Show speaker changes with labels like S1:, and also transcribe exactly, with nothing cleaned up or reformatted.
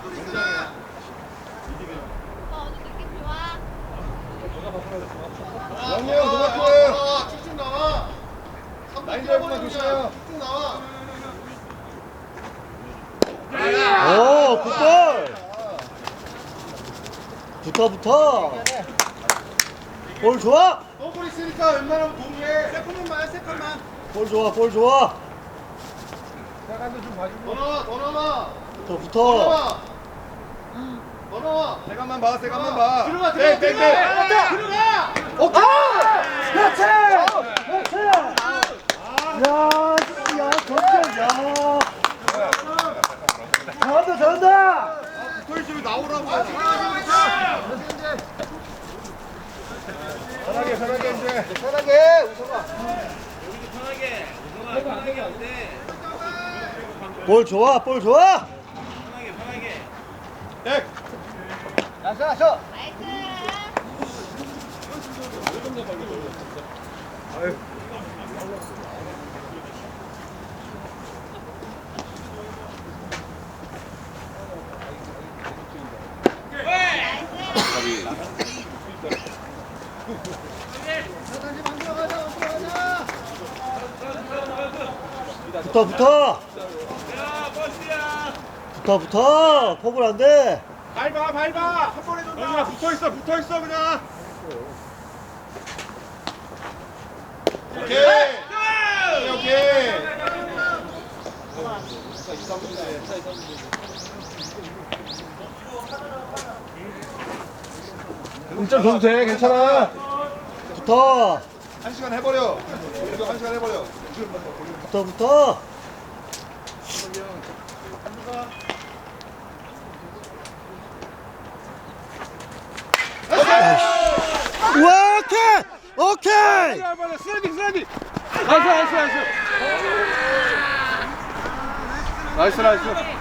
S1: 영희 형 노마크 쭉쭉 나와. 라인 잡으면 조심해요. 쭉쭉 나와.
S2: 오, 굿볼! 붙어, 붙어! 볼 좋아!
S1: 더블 있으니까 웬만하면 동의해. 세컨만 세컨만.
S2: 볼 좋아, 볼 좋아!
S1: 세컨도 좀 봐주고. 더 나와, 더 나와.
S2: 더
S1: 더
S2: 붙어!
S1: 나와. 더 나와. 세컨만 봐, 세컨만 봐. 들어가,
S2: 네,
S1: 들어가, 들어가. 들어가.
S2: 오케이! 그렇지! 그렇지! 야, 야, 전체, 야! 잘한다, 잘한다!
S1: 붙어있으면 나오라고. 편하게, 편하게 이제. 편하게, 우성아.
S3: 편하게 우성아 편하게 하면 돼.
S2: 볼 좋아, 볼 좋아!
S3: 편하게 편하게.
S1: 백.
S2: 나이스, 나이스! 붙어, 붙어!
S3: 야 버스야.
S2: 붙어, 붙어! 포볼 안 돼!
S1: 밟아, 밟아. 한 번에 던져. 붙어있어, 붙어있어, 그냥. 오케이. 오케이, 오케이. 점 줘도 돼, 괜찮아.
S2: 붙어!
S1: 한 시간 해버려. 이거 한 시간 해버려.
S2: 붙어, 붙어! 우와, 오케이! 오케이!
S1: 슬라이딩, 슬라이딩. 나이스, 나이스, 나이스. 나이스, 나이스.